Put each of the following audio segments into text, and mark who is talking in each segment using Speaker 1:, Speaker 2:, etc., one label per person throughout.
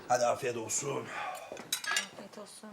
Speaker 1: Hadi afiyet olsun.
Speaker 2: Afiyet olsun.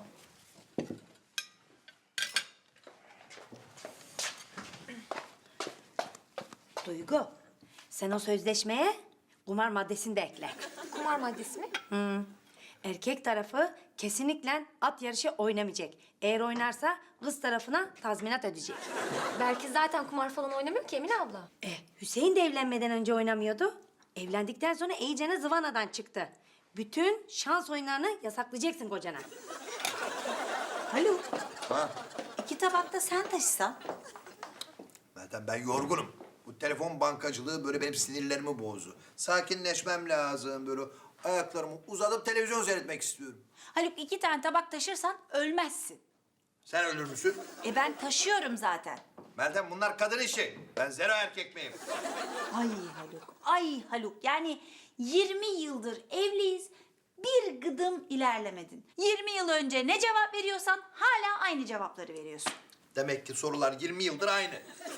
Speaker 3: Duygu, sen o sözleşmeye kumar maddesini de ekle.
Speaker 2: Kumar maddesi mi?
Speaker 3: Erkek tarafı kesinlikle at yarışı oynamayacak. Eğer oynarsa kız tarafına tazminat ödeyecek.
Speaker 2: Belki zaten kumar falan oynamıyor ki Emine abla.
Speaker 3: Hüseyin de evlenmeden önce oynamıyordu. Evlendikten sonra iyicene zıvanadan çıktı. Bütün şans oyunlarını yasaklayacaksın kocana.
Speaker 4: Haluk,
Speaker 1: Ha?
Speaker 4: 2 tabak da sen taşısan.
Speaker 1: Zaten ben yorgunum. Bu telefon bankacılığı böyle benim sinirlerimi bozdu. Sakinleşmem lazım böyle. Ayaklarımı uzatıp televizyon seyretmek istiyorum.
Speaker 4: Haluk 2 tane tabak taşırsan ölmezsin.
Speaker 1: Sen ölür müsün?
Speaker 4: Ben taşıyorum zaten.
Speaker 1: Meltem bunlar kadın işi. Ben zero erkek miyim?
Speaker 4: Ay Haluk, ay Haluk. Yani 20 yıldır evliyiz. Bir gıdım ilerlemedin. 20 yıl önce ne cevap veriyorsan hala aynı cevapları veriyorsun.
Speaker 1: Demek ki sorular 20 yıldır aynı.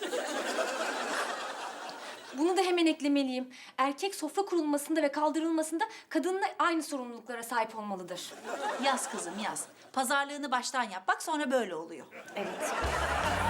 Speaker 2: Bunu da hemen eklemeliyim. Erkek sofra kurulmasında ve kaldırılmasında kadınla aynı sorumluluklara sahip olmalıdır.
Speaker 4: Yaz kızım yaz. Pazarlığını baştan yap. Bak sonra böyle oluyor.
Speaker 3: Evet.